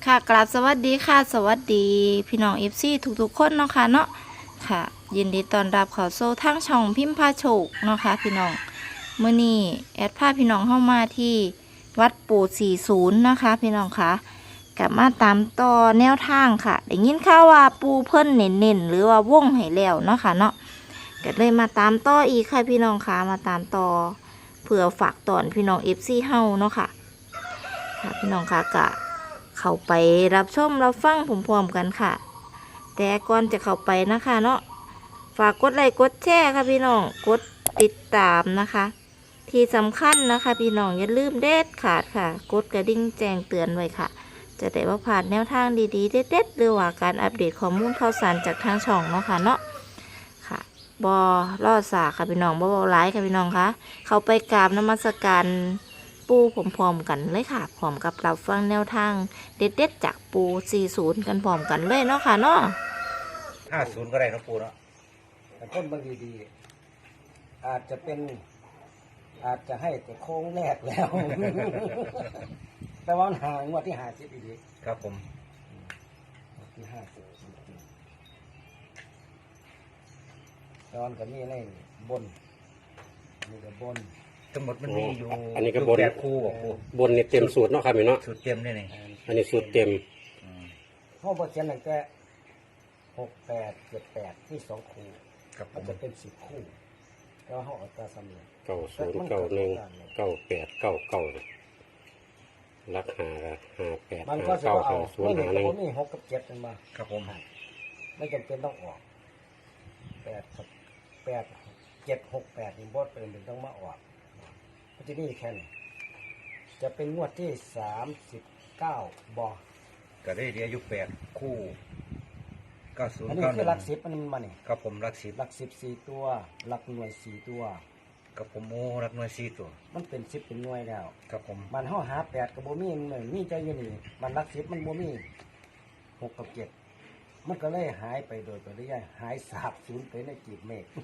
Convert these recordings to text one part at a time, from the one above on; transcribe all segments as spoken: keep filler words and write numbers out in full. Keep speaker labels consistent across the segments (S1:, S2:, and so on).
S1: ค่ะกราบสวัสดีค่ะสวัสดีพี่น้องเอฟซีทุกๆคนเนาะค่ะเนาะค่ะ ยินดีต้อนรับเข้าสู่ทางช่องพิมพ์พาโชคเนาะค่ะพี่น้องเมื่อนี้แอดพาพี่น้องเข้ามาที่วัดปู่สี่สิบนะคะพี่น้องคะกลับมาตามต่อแนวทางค่ะได้ยินข่าวว่าปูเพิ่นเน้นๆหรือว่าวงให้แล้วเนาะค่ะเนาะก็เลยมาตามต่ออีกค่ะพี่น้องคะมาตามต่อเพื่อฝากตอนพี่น้องเอฟซีเฮาเนาะค่ะค่ะพี่น้องคะกะ เข้าไปรับชมรับฟังพร้อมๆกันค่ะ แต่ก่อนจะเข้าไปนะคะเนาะฝากกดไลค์กดแชร์ค่ะพี่น้องกดติดตามนะคะ ที่สำคัญนะคะพี่น้องอย่าลืมเด็ดขาดค่ะ กดกระดิ่งแจ้งเตือนไว้ค่ะ จะได้ว่าผ่านแนวทางดีๆเด็ดๆหรือว่าการอัปเดตข้อมูลข่าวสารจากทางช่องเนาะค่ะเนาะค่ะบอรอดสาค่ะพี่น้องบอบอไลค์ค่ะพี่น้องคะเข้าไปกราบนมัสการปูพร้อมๆกันเลยค่ะพร้อมกับรับฟังแนวทางเด็ดๆจากปูสี่สิบกันพร้อมกันเลยเนาะค่ะเนาะ
S2: ห้าศูนย์ก็ได้นะปูเนาะ
S3: แต่ต้นบางดีๆอาจจะเป็นอาจจะให้แต่โค้งแรกแล้ว แต่ว่าห่างงวดที่หาสิบอีกที
S2: ครับผม
S3: งวดที่ห้าสิบตอนกับนี่อะไรนี่บนนี่กับบน
S2: ทั้งหมดมันมีอยู่
S4: อันนี้ก็บน
S2: แปดคู่บอกปู
S4: บนนี่เต็มสูตรเนาะครับพี่เนาะ
S2: สูตรเต็มนี่นี่
S4: อันนี้สูตรเต็ม
S2: อืม
S3: ห้องบทเขียนตั้งแต่หกแปดเจ็ดแปดที่สองคู่
S2: ครับผ
S3: มัน
S2: ม
S3: จะเป็นสิบคู่แล้วห้องอัตราสำเร็จ
S4: เก้าศูนย์เก้าหนึ่งเก้าแปดเก้าเก้ารักหาหาแปด
S3: มัน
S4: หา
S3: ก็จะ
S4: เก้า
S3: เอา
S4: หาศูน
S3: ไม่
S4: ย์
S3: หนึ่
S4: หาง หนึ่ง
S3: ผมนี่หกกับเจ็ดกันมา
S2: ครับผม
S3: ไม่จำเป็นต้องออกแปดกับแปดเจ็ดหกแปดนี่บดเป็นถึงต้องมาออกมันจะนี่แค่นี้จะเป็นงวดที่สามสิบเก้าบอ
S2: ก็ได้เดียวอยู่แปดคู่เก้าศูน
S3: อัน
S2: ย์
S3: นี้
S2: เก้าห
S3: คื
S2: นึ่
S3: อง หลักสิบมันมาเนี่ย
S2: ครับผมรักสิบ
S3: หลักสิบสี่ตัวหลักหน่วยสี่ตัว
S2: กับผมโอ้รักหน่วยสี่ตัว
S3: มันเป็นสิบเป็นหน่วยแล้ว
S2: ครับผม
S3: มันห่อหาแปดกับโบมีหนึ่งมีใจอยืนนี่มันหลักสิบมันโบมีหกกับเจ็ดมันก็เลยหายไปโดยปริยายหายสาบสูญไปในจีบเมฆ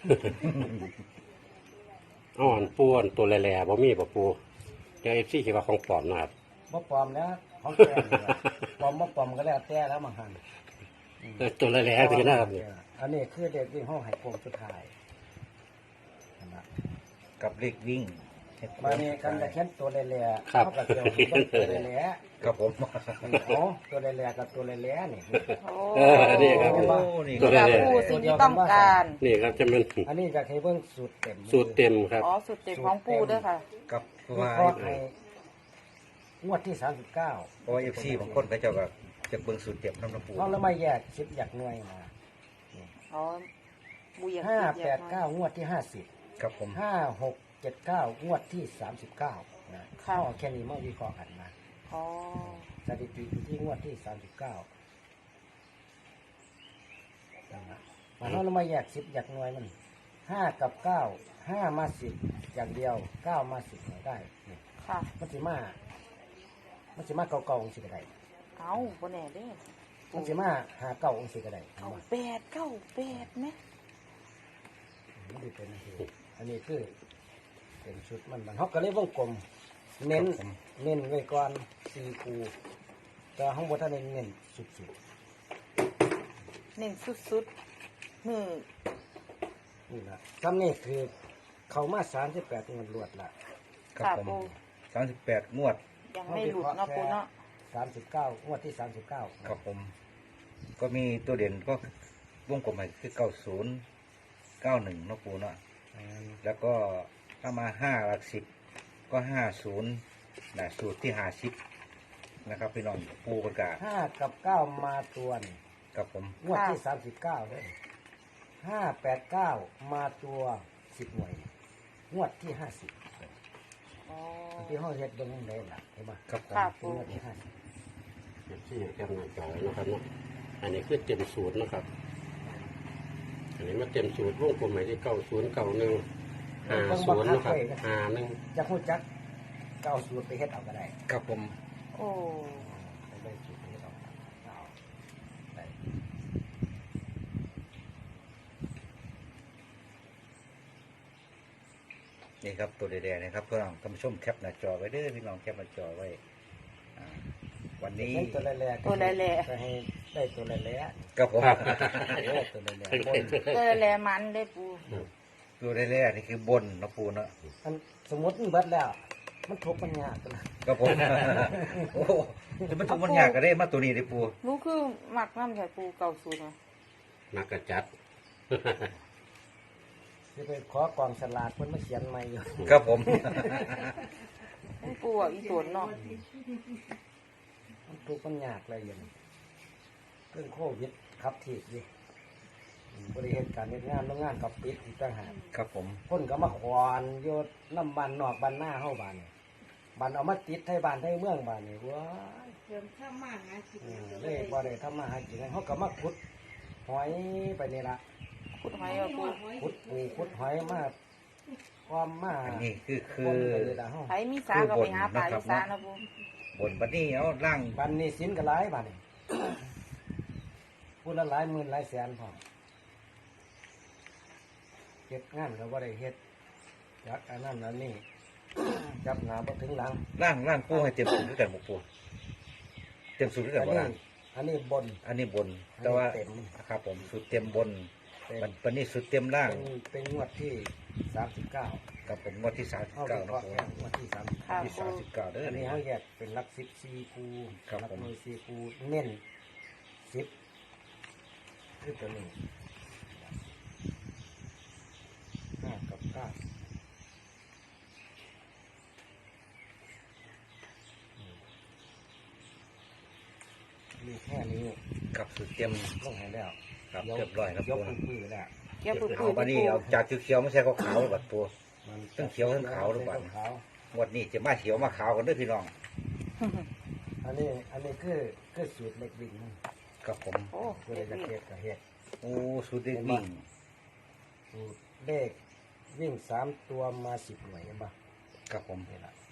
S4: อ่อนปูอันตัวแหล่ๆบ่มีบ่ปูเดี๋ยวเอฟซีคิดว่าของปลอมนะครับ
S3: บ่ปลอมแล้วของแกนี่ล่ะปลอมบ่ปลอมก็แล้วแต่แล้วมาหัน
S4: เออตัวแหล่ๆคือนะครับเนี่ย
S3: อันนี้คือเด็กวิ่งห้องไห้โคงสุดท้ายนั่นล่ะ
S2: กับเลขวิ่ง
S3: มาเนี่ยกันจะเขียนตัวแหล่ๆ
S4: ครับ
S3: เขากับเกี่ยวกับตัวแหล่
S2: ครับผม
S3: ๆอ๋อตัวแหล่ๆกับตัวแหล่ๆนี่
S4: เออนี่ครับ
S2: โอ้นี่
S4: ตัวแหล่
S1: ผู้สิ่งที่ต้องการ
S4: ๆนี่ครับจะเป็น
S3: อันนี้จะให้เบิ่งสูตรเต็ม
S4: สูตรเต็มครับ
S1: อ๋อสุดเด็ดของปูด้วยค่ะ
S2: กับเพราะ
S3: วิ
S2: ว่า
S3: เคราะห์ให้งวดที่สามสิบเก้า
S2: เพราะว่าเอฟซีบางคนก็เจ้าก็จะเบิ่งสูตรเต็มน้ำน้ำปู
S3: เขาแล้วไม่แยกสิบอยากหน่วยมา
S1: อ๋อบูอยาก
S3: ห้า
S1: คิ
S3: แปดเก้างวดที่ห้าสิบ
S2: ครับผม
S3: ห้าหกเจ็ดเก้างวดที่สามสิบเก้านะเข้าเอาแค่นี้มาวิเคราะห์กันนะ
S1: อ๋อ
S3: สถิติอยู่ที่งวดที่สามสิบเก้ามันเรามาแยกสิบอยากหน่วยมันห้ากับเก้าห้ามาสิบอย่างเดียวเก้ามาสิบหน่วยได้นี่
S1: ค่ะ
S3: มันสิมามันสิมาเก่าๆองสิก็ได้
S1: เอาบนแหน่เด้
S3: มันสิมาหาเก่าองสิก็ได้
S1: เอาแปดเก้าแปดไหม
S3: มันสิเป็นอันนี้อันนี้คือเป็นชุดมันมันเขาก็เลยวงกลม เน้น
S2: ครับผม
S3: เน้นไว้ก่อนสี่คูแต่ห้องบนท่านเน้นเน้นสุด
S1: เน้นสุดๆมือ
S3: ๆนี่นะซ้ำนี่คือเขามาสามสิบแปดงวดรวดละ
S2: ครับ
S1: ค่ะ
S2: ผม
S1: ปู
S2: สามสิบแปดงวด
S1: ยังไม่หลุดเนาะปูเนาะ
S3: สามสิบเก้างวดที่สามสิบเก้า
S2: ครับผม ก็มีตัวเด่นก็วงกลมใหม่คือเก้าศูนย์เก้าหนึ่งนาะปูเนาะแล้วก็ถ้ามาห้าหลักสิบก็ห้าศูนย์นะสูตรที่หาสิบนะครับพี่น้องปูประกาศ
S3: ห้ากับเก้ามาตัวนี่
S2: ครับผม
S3: งวดที่สามสิบเก้าเลยห้าแปดเก้ามาตัวสิบหน่วยงวดที่ห้าสิบ
S1: อ๋อ
S3: ที่ห้องเฮ็ดเบิ่งได้ล่ะเห็นไหม
S2: ครับผม
S1: ค่ะ
S3: เป็นงวดที่ห้าสิบ
S4: เอฟซีแคปหน้าจอไว้นะครับเนาะอันนี้คือเต็มสูตรนะครับ อันนี้มาเต็มสูตรวงกลมใหม่ที่เก้าศูนย์เก้าหนึ่งห้าศูนย์นะครับห้าหนึ่ง
S3: จะพูดจักก็เอาสูตรไปเฮ็ดเอาก็ได้
S2: ครับผม
S1: โอ้
S3: ไปได้สูตรไปเฮ็ดเอาเอาได้
S2: นี่ครับตัวแดงๆนะครับเพื่อนท่านผู้ชมแคปหน้าจอไว้เด้อพี่น้องแคปหน้าจอไว้อ่าวันนี้
S3: เล่นตัวแรกๆ
S1: ตัวแรกๆ
S3: ก็ให้ได้ตัวแรก
S2: ครับผม
S3: ๆเออตัวแรกๆบน
S1: เออแลมันได้ปู
S2: ตัวแรกๆนี่คือบนเนาะปูเนาะ
S3: อันสมมติมันเบิดแล้ว มันทุกข์มันยากกัน
S2: ครับผม โอ้จะมันทุกมันยากก็ได้มาตัวนี้ได้ปู
S1: นูคือหมักน้ำใส่ปูเก่าสูตรอะ
S4: มักกระจัด
S3: จะไปขอกองสลากเพิ่นมาเขียนใหม่อยู่
S2: ครับผม
S1: มันปูอ่ะอีตัวเนาะ
S3: มันทุกข์มันยากอะไรอย่างนี้เรื่องโควิดครับทีบอยู่อืมบริเหตุการเฮ็ดงานโรงงานกับปิดอีกต่างหาก
S2: ครับผม
S3: คนก็มาขวานโยนน้ำบันนอกบันหน้าเข้าบ้านนี่บันเอามาติดไทยบ้านไทยเมืองบ้านนี่ว้าย
S5: เริ่มข้ามมาหากิน
S3: อืม
S5: แล้ว
S3: เลขบ่ได้ทำมาหากินเขาก็มาขุดหอยไปนี่ละ
S1: ขุดหอยเอาปู
S3: ขุดปูขุดหอยมาความมา
S2: อันนี้คือคื
S3: คน
S2: อ
S3: ไปนี่ละเฮา
S1: ไผมีสาก็ไปหาปลาอีสานนะปู
S2: บนบัดนี้เอาล่าง
S3: บันนี้สินก็หลายบันนี่ พูดละหลายหมื่นหลายแสนพอเฮ็ดงานก็บ่ได้เฮ็ดจักอันนั้นอันนี้ จับหนาบ่ถึงหลัง
S2: ล่างล่างปูให้เต็มสูตรด้วยกันบ่ปูเต็มสูตรด้วยกั
S3: อั
S2: น
S3: น
S2: บ่
S3: นี้
S2: ล่าง
S3: อันนี้บน
S2: อันนี้บน แต่ว่า
S3: เต็ม
S2: ครับผมสูตรเต็มบน
S3: เต็ม
S2: บัดบัดนี้สูตรเต็มล่าง
S3: เป็นเป็นงวดที่สามสิบเก้า
S2: กับผมงวดที่สามสิบ
S3: เข้า
S2: เก้า
S3: วิเค
S2: นะ
S3: ราะห์
S2: ปู
S3: แค่งวดที่สามสิบ
S1: ค่ะ
S2: ที่
S1: ปู
S2: สามสิบเก้าเด้อ
S3: อัน
S2: นี่
S3: นี้เขาแยกเป็นหลักสิบสี่คู
S2: ครับ
S3: หลั
S2: ผม
S3: หน่วยสี่คูเน้นสิบคือตัวนี้ห้ากับเก้าอืมมีแค่นี้
S2: กับสูตรเต็ม
S3: ลงให้แล้ว
S2: ครับ
S3: ยก
S2: เรียบร้อยนะ
S3: ย
S2: ปู
S3: กมือแล้ว
S1: เกี่ยวปูปู
S2: เอาบัดนี้เอาจากเขียวๆไม่ใช่ขาวๆบัดปู
S3: มัน
S2: ทั้งเขียวทั้งขาวหรือเปล่า
S3: ขาว
S2: งวดนี้จะมาเขียวมาขาวกันเด้อพี่น้อง
S3: อันนี้อันนี้คือคือสูตรเล็กวิ่งมัน
S2: กับผม
S1: โอ้
S3: ก็เลยจะเฮ็ดกับเฮ็ด
S2: โอ้สูตรเด็กวิ่ง
S3: สูตรเลขวิ่งสามตัวมาสิบหน่วยเห็นปะ
S2: กับผม
S3: นี่ละ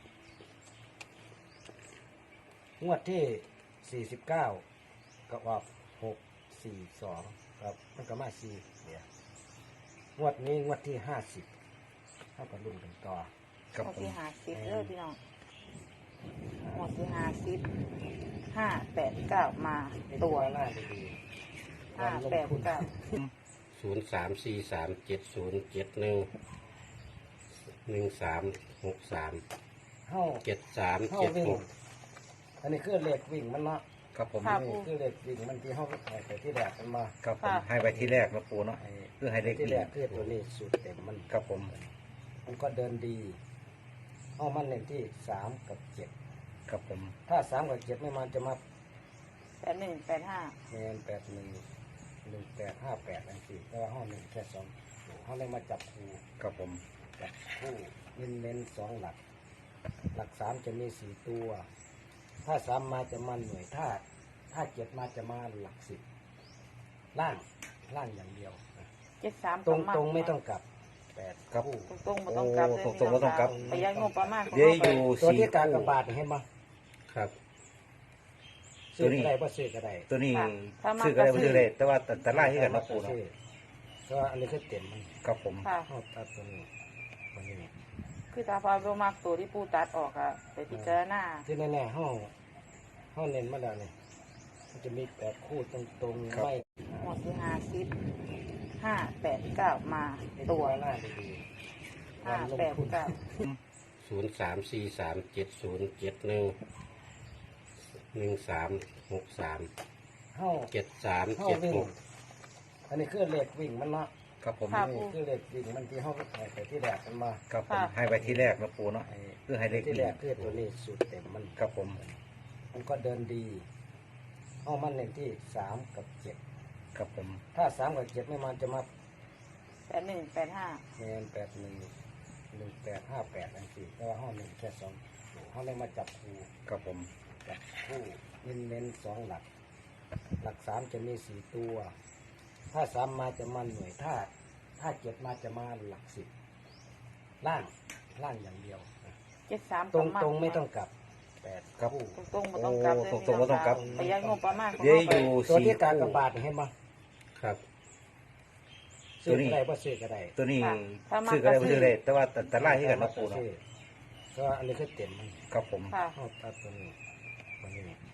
S3: งวดที่สี่สิบเก้าก็ออกหกสี่สองครับมันก็มาสี่เนี่ยงวดนี้งวดที่ห้าสิบเท่ากับรุ่นกันต่อ
S2: กับ
S1: หมด
S2: ผม
S1: ที่หาสิบเด้อพี่น้องหมดที่หาสิบห้าแปดเก้ามาตัว
S3: หน้าดีๆ
S1: ห้า
S3: การลง
S1: แปด
S3: ทุน
S1: เก้า
S4: ศูนย์สามสี่สามเจ็ดศูนย์เจ็ดหนึ่งหนึ่งสามหกสาม
S3: เข้า
S4: เจ็ดสาม
S3: เข้า
S4: เจ็ด
S3: วิ่
S4: ห
S3: ง
S4: ก
S3: อันนี้คือเลขวิ่งมันเนาะ
S2: กับผม
S3: นี่คือเลขวิ่งมันที่เข้าไปที่แรกมันมา
S2: กับผมให้ไปที่แรกนะปูเนาะ
S3: ไอ้
S2: คือให้เลข
S3: ที่
S2: วิ่
S3: แรง กคือตัวนี้สูตรเต็มมัน
S2: กับผม
S3: มันก็เดินดีเอามันเน้นที่สามกับเจ็ด
S2: กับผม
S3: ถ้าสามกับเจ็ดไม่มันจะมา
S1: แปดหนึ่งแปดห้า
S3: แมนแปดหนึ่งหนึ่งแปดห้าแปดอันสี่แต่ว่าห้องหนึ่งแค่สองเขาเลยมาจับคู่
S2: กับผม
S3: จับคู่เน้นเน้นๆสองหลัก หลักสามจะมีสี่ตัว ถ้าสามมาจะมาหน่วยถ้า ถ้าเจ็ดมาจะมาหลักสิบล่างล่างอย่างเดียวนะ
S1: เจ็ดสาม
S3: ตรงตรงๆไม่ต้องกลับแปด
S2: ครับ
S3: คู่
S1: ตรงตรงๆบ่ต้องกลับเลย
S2: โอ้ตรงๆบ่ต้องกลับ
S1: ประหยัดงบประมาณของ
S2: เดี๋ยว
S1: เรา
S2: อ
S1: ไป
S2: ยู่
S3: ตัว
S2: สี่
S3: ที่การกระ
S2: คู่
S3: บาดเห็นไหม
S4: ครับ
S3: ซื้อก็ได้เพราะซื้อก็ได้
S2: ตัวนี้
S1: ค่ะถ้ามา
S2: ซื้อก็ได้
S1: ก็
S2: บ่
S1: ซื้
S2: ซื้
S1: อ
S2: อได้แต่ว่าแต่ไล่ให้กันนะปูเนาะ
S3: ก็อันนี้คือเต็มมัน
S2: กับผม
S1: ค่ะ
S3: เอาตัดตัวนี้ตัวนี้
S1: คือตาพาโรมากตัวที่ปูตัดออกอะไปพิจารณา
S3: ที่แน่ๆห้องห้องเน้นมาแล้วเนี่ยมันจะมีแปดคู่ตรงๆไม่
S1: หมดที่หาสิบห้าแปดเก้ามาตัว
S3: หน้าดี
S1: ห้าแปดเก้า
S4: ศูนย์สามสี่สามเจ็ดศูนย์เจ็ดหนึ่งหนึ่งสามหกสาม
S3: ห้อง
S4: เจ็ดสาม
S3: ห้อง
S4: เจ็ด
S3: วิ่ง
S4: หก
S3: อันนี้คือเลขวิ่งมันเนาะ
S2: กับผม
S3: นี่คือเลขวิ่งมันที่ห้องไปที่แรกมันมา
S2: กับผมให้ไปที่แรกนะปูเนาะ
S3: ไอ้
S2: คือให้เลข
S3: ที่
S2: วิ่
S3: แรง กคือตัวนี้สูตรเต็มมัน
S2: กับผม
S3: มันก็เดินดีห้องมันเน้นที่สามกับเจ็ด
S2: กับผม
S3: ถ้าสามกับเจ็ดไม่มันจะมา
S1: แปดหนึ่งแปดห้า
S3: แมนแปดหนึ่งหนึ่งแปดห้าแปดอันสี่แต่ว่าห้องหนึ่งแค่สองห้องเลยมาจับคู่
S2: กับผม
S3: จับคู่เน้นเน้นๆสองหลัก หลักสามจะมีสี่ตัว ถ้าสามมาจะมาหน่วยถ้า ถ้าเจ็ดมาจะมาหลักสิบล่างล่างอย่างเดียวนะ
S1: เจ็ดสาม
S3: ตรงตรงๆไม่ต้องกลับแปด
S2: ครับ
S3: คู่
S1: ตรงตรงๆบ่ต้องกลับเลย
S2: โอ้ตรงๆบ่ต้องกลับ
S1: ประหยัดงบประมาณของ
S2: เดี๋ยว
S1: เรา
S2: อ
S1: ไป
S2: ยู่
S3: ตัว
S2: สี่
S3: ที่การก
S2: คู่
S3: ระบาดเห็นไหม
S4: ครับ
S3: ซื้อก็ได้เพราะซื้อก็ได้
S2: ตัวนี้
S1: ค่ะถ้ามา
S2: ซื้อก็ได้
S1: ก็
S2: บ่
S1: ซื้
S2: ซื้
S1: อ
S2: อได้แต่ว่าแต่แต่ไล่ให้กันนะปูเนาะ
S3: ก็อันนี้คือเต็มมัน
S2: กับผม
S1: ค่ะ
S3: เอาตัดตัวนี้ตัวนี้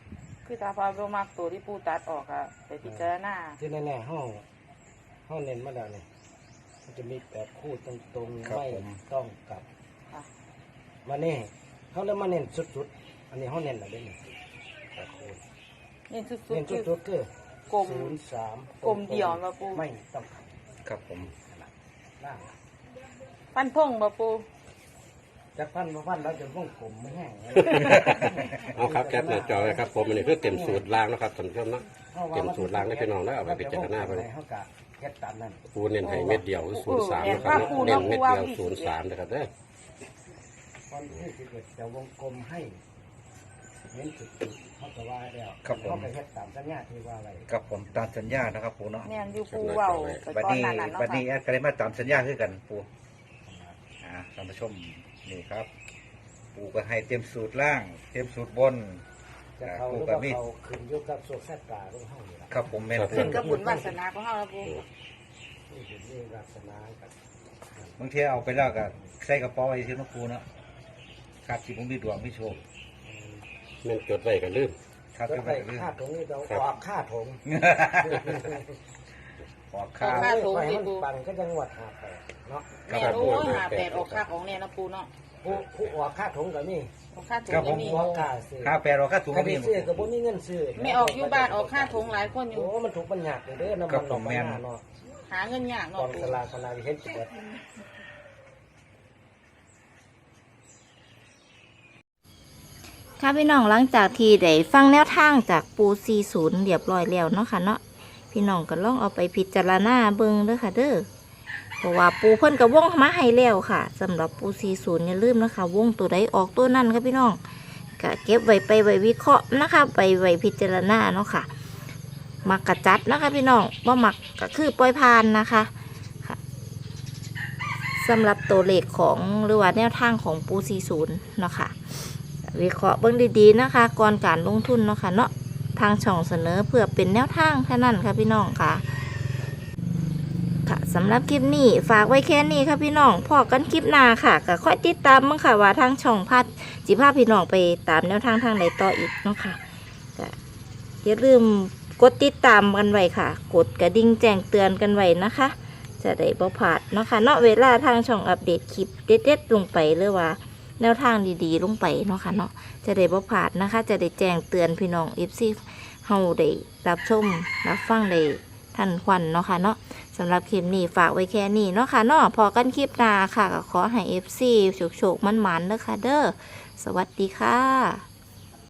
S5: คือตาพาบ่มักตัวที่ปูตัดออกอะไปพิจารณา
S3: ที่แน่ๆห้องห้องเน้นมาแล้วเนี่ยมันจะมีแปดคู่ตรงๆไม่ต้องกลับ
S5: ค่ะ
S3: มาเน่เขาเลยมาเน้นสุดๆอันนี้ห้องเน้นอะไรเนี่ยแปดคู่
S5: เน้นสุด
S3: เน้น
S5: ๆคือ
S3: สุดๆคือก
S5: ลม
S3: ศูนย์สาม
S5: กลมเดี่ยวมาปู
S3: ไม่ต้องกลับ
S2: ครับผม
S3: ล่าง
S5: ฟันพงบ่ปู
S3: จากพันมาพันแล้วจนวงกลมไม่แห้ง
S4: เอาครับแคปหน้าจอไว้ครับผมอันนี้คือเต็มสูตรล่างนะครับท่านผู้ชมเนาะเต็มสูตรล่างได้พี่น้องแล้วเอาไปพิจารณาไป
S3: เขากะเฮ็ดตามนั้น
S4: ปูเน้นให้เม็ดเดียวคือศูนย์สามนะครับเน้นเม็ดเดียวศูนย์สามนะครับเด้อ
S3: วันที่สิบเอ็ดจะวงกลมให้เน้นจุดๆเขาจะว่าแล้ว
S2: ครับผม
S3: เขาไปเฮ็ดตามสัญญาที่ว่าไว้
S2: ครับผมตามสัญญานะครับปูเนาะ
S5: แม่นอยู่ปูเว้าไป
S2: บัด
S5: ตอน
S2: นี้
S5: นั้นน่ะเนาะ
S2: บัดนี้
S5: ค่ะ
S2: แอดก็ได้มาตามสัญญาคือกันปูอ่าท่านผู้ชมนี่ครับ ปูก็ให้เต็มสูตรล่าง เต็มสูตรบน
S3: จะ
S2: อ่า
S3: เขาห
S2: ปู
S3: รือ
S2: ก็
S3: ว่า
S2: มี
S3: เขาขึ้นอยุคกับโซกแซตตาของเฮานี่ล่ะ
S2: ครับผมแม่นปู
S5: ขึ้นกับบุญวาสนาของเฮาแล้วปู
S3: นี่เป็นนี่วาสนากับบ
S2: างทีเอาไปแล้วก็ใส่กระเป๋าไว้ที่น้องปูเนาะขาดที่ผมมีดวงมีโชค
S4: แม่นจดไว้กันลืม
S2: ขาด
S3: ก็
S2: ก็
S3: ไป
S2: ไปเรื่อง
S3: ค่าถงนี่เรา
S4: ครับ
S3: ออกค่าถง
S2: ออกข้าว
S5: ค่าถง
S3: ไป
S5: นี่
S3: มัน
S5: ปู
S3: ปันก็จังหวัดหาแปดเนาะ
S5: แม่นโอ้ยหาแปดออกค่าของเนี่ยนะปูเนาะ
S3: ผู้ผู้ออกค่าถงก็มี
S5: ออกค่าถุง
S2: ครับผ
S5: ก็
S2: ม
S5: มี
S3: ผู้ออกค่าซื้อ
S2: ข้าวแปดออกข้าวถุง
S3: ถ้า
S2: ก็
S3: ไป
S2: มี
S3: ซื้อก็บ่มีเงินซื้อ
S5: ไม่ออกอยู่บ้านออกค่าถุงหลายคนอยู่
S3: โอ้มันถูกบัญญัติเด้อน้ำ
S2: ครั
S3: มัน
S2: บ
S3: ออก
S2: ผมแม่
S3: มาน เนาะ
S5: หาเงินยาก
S3: ก
S5: เนาะ
S3: อง
S5: ปู
S3: สลากคณะวิเห็นจุด
S1: ค่ะพี่น้องหลังจากที่ได้ฟังแนวทางจากปูสี่ศูนย์เรียบร้อยแล้วเนาะค่ะเนาะพี่น้องก็ลองเอาไปพิจารณาเบิ่งเด้อค่ะเด้อเพราะว่าปูเพิ่นก็วงมาให้แล้วค่ะสำหรับปูสี่ศูนย์อย่าลืมนะคะวงตัวใดออกตัวนั่นค่ะพี่น้องก็เก็บไว้ไปไว้วิเคราะห์นะคะไปไว้พิจารณาเนาะค่ะมักกะจัดนะคะพี่น้องบ่มักก็คือปล่อยผ่านนะคะค่ะสำหรับตัวเลขของหรือว่าแนวทางของปูสี่ศูนย์เนาะค่ะวิเคราะห์เบิ่งดีๆนะคะก่อนการลงทุนเนาะค่ะเนาะทางช่องเสนอเพื่อเป็นแนวทางแค่นั้นค่ะพี่น้องค่ะค่ะสำหรับคลิปนี้ฝากไว้แค่นี้ค่ะพี่น้องพอกันคลิปหน้าค่ะก็ค่อยติดตามมั้งค่ะว่าทางช่องพัดจิพาพี่น้องไปตามแนวทางทางไหนต่ออีกเนาะค่ะก็อย่าลืมกดติดตามกันไว้ค่ะ กดกระดิ่งแจ้งเตือนกันไว้นะคะ จะได้บ่พลาดเนาะค่ะเนาะเวลาทางช่องอัปเดตคลิปเด็ดๆลงไปหรือว่าแนวทางดีๆลงไปเนาะค่ะเนาะจะได้บ่พลาดนะคะ จะได้แจ้งเตือนพี่น้อง เอฟ ซี เฮาได้รับชมรับฟังได้ทันควันเนาะค่ะเนาะสำหรับคลิปนี้ฝากไว้แค่นี้เนาะค่ะเนาะพอกันคลิปหน้าค่ะก็ขอให้ เอฟ ซี โชคๆมันๆเด้อค่ะเด้อสวัสดีค่ะ